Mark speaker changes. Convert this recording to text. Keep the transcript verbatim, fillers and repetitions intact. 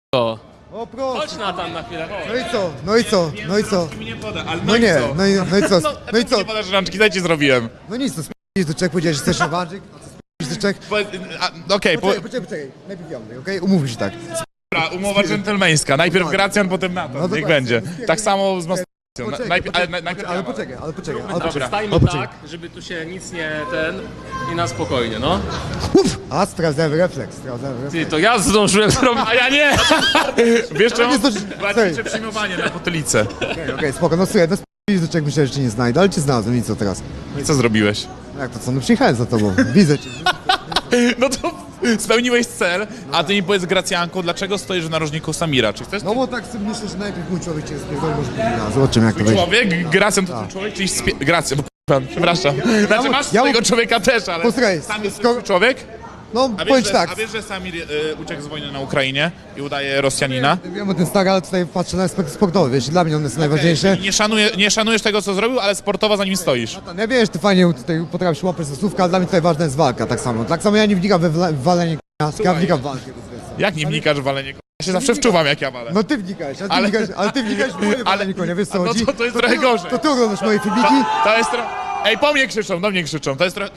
Speaker 1: O,
Speaker 2: O proszę.
Speaker 1: chodź na tam na chwilę, chodź.
Speaker 2: No i co? No i co? No i co?
Speaker 3: Mi nie poda, ale
Speaker 2: No nie, no i, no i co? No i co?
Speaker 3: Nie podasz rączki, daj ci zrobiłem.
Speaker 2: No nic, to sp***ć do Czech, powiedziałeś, że chcesz rewanżyk, a co sp***ć do Czech?
Speaker 3: Po- a, Okej, po-
Speaker 2: Poczekaj, poczekaj, poczekaj, najpierw ja mówię, okej? Umówmy się tak.
Speaker 3: dobra, umowa dżentelmeńska. Najpierw Gracjan, potem Nathan,
Speaker 2: No
Speaker 3: niech
Speaker 2: dokładnie.
Speaker 3: będzie. Tak samo z masturbacją.
Speaker 2: Poczekaj,
Speaker 3: Najpierw, ale
Speaker 2: poczekaj,
Speaker 3: najpierw
Speaker 2: ale
Speaker 3: ja.
Speaker 2: poczekaj, ale poczekaj, ale
Speaker 3: Dobra.
Speaker 2: poczekaj.
Speaker 1: Stajmy
Speaker 2: ale poczekaj.
Speaker 1: tak, żeby tu się nic nie ten i na spokojnie, no.
Speaker 2: Uf! A, sprawdzałem refleks, sprawdzałem refleks.
Speaker 1: Ty, to ja zdążyłem zrobić, a ja nie!
Speaker 3: Wiesz czemu?
Speaker 2: nie zdąży-
Speaker 3: Łatwiejsze
Speaker 2: Sorry.
Speaker 3: przyjmowanie na potylicę.
Speaker 2: Okej, okej, spoko, no słuchaj, no sp***ć do Czech myślałem, że cię nie znajdę, ale cię znalazłem i co teraz?
Speaker 3: No i co zrobiłeś?
Speaker 2: Jak to co, no przyjechałem za tobą, widzę cię.
Speaker 3: No to spełniłeś cel, a ty mi powiedz, Gracjanko, dlaczego stoisz w narożniku Samira? Czy chcesz
Speaker 2: No bo tak sobie myślę, że najpierw mój człowiek cię spierdoli, może powinna, zobaczymy jak to będzie.
Speaker 3: człowiek? Gracjan to twój człowiek, czyli spie... Gracjan, bo k***a, przepraszam. Znaczy masz
Speaker 2: ja-
Speaker 3: swojego człowieka też, ale
Speaker 2: Posłuchaj,
Speaker 3: sam jest
Speaker 2: skoro-
Speaker 3: twój człowiek?
Speaker 2: No,
Speaker 3: A wiesz,
Speaker 2: powiedz
Speaker 3: że,
Speaker 2: tak.
Speaker 3: a wiesz, że Samir y, uciekł z wojny na Ukrainie i udaje Rosjanina?
Speaker 2: Wiem o tym stary, ale tutaj patrzę na aspekt sportowy, wiesz, dla mnie on jest najważniejszy.
Speaker 3: Nie, szanuje, nie szanujesz tego, co zrobił, ale sportowo za nim stoisz.
Speaker 2: Ja wiesz, ty fajnie tutaj potrafisz łapać za słówka, ale dla mnie tutaj ważna jest walka, tak samo. Tak samo ja nie wnikam we wla- w walenie k***a, ja wnikam w walkę.
Speaker 3: Jak nie wnikasz w walenie konia? Ja się zawsze wczuwam, jak ja walę.
Speaker 2: No ty wnikałeś, ale ty
Speaker 3: Ale-
Speaker 2: wnikałeś, ale ty wnikałeś w moje
Speaker 3: ale-
Speaker 2: walenie konia, wiesz co
Speaker 3: no
Speaker 2: chodzi?
Speaker 3: to- to jest trochę
Speaker 2: ty-
Speaker 3: gorzej.
Speaker 2: To ty oglądasz moje filmiki?
Speaker 3: To jest trochę... Ej, po mnie krzyczą, do mnie krzyczą. To jest trochę...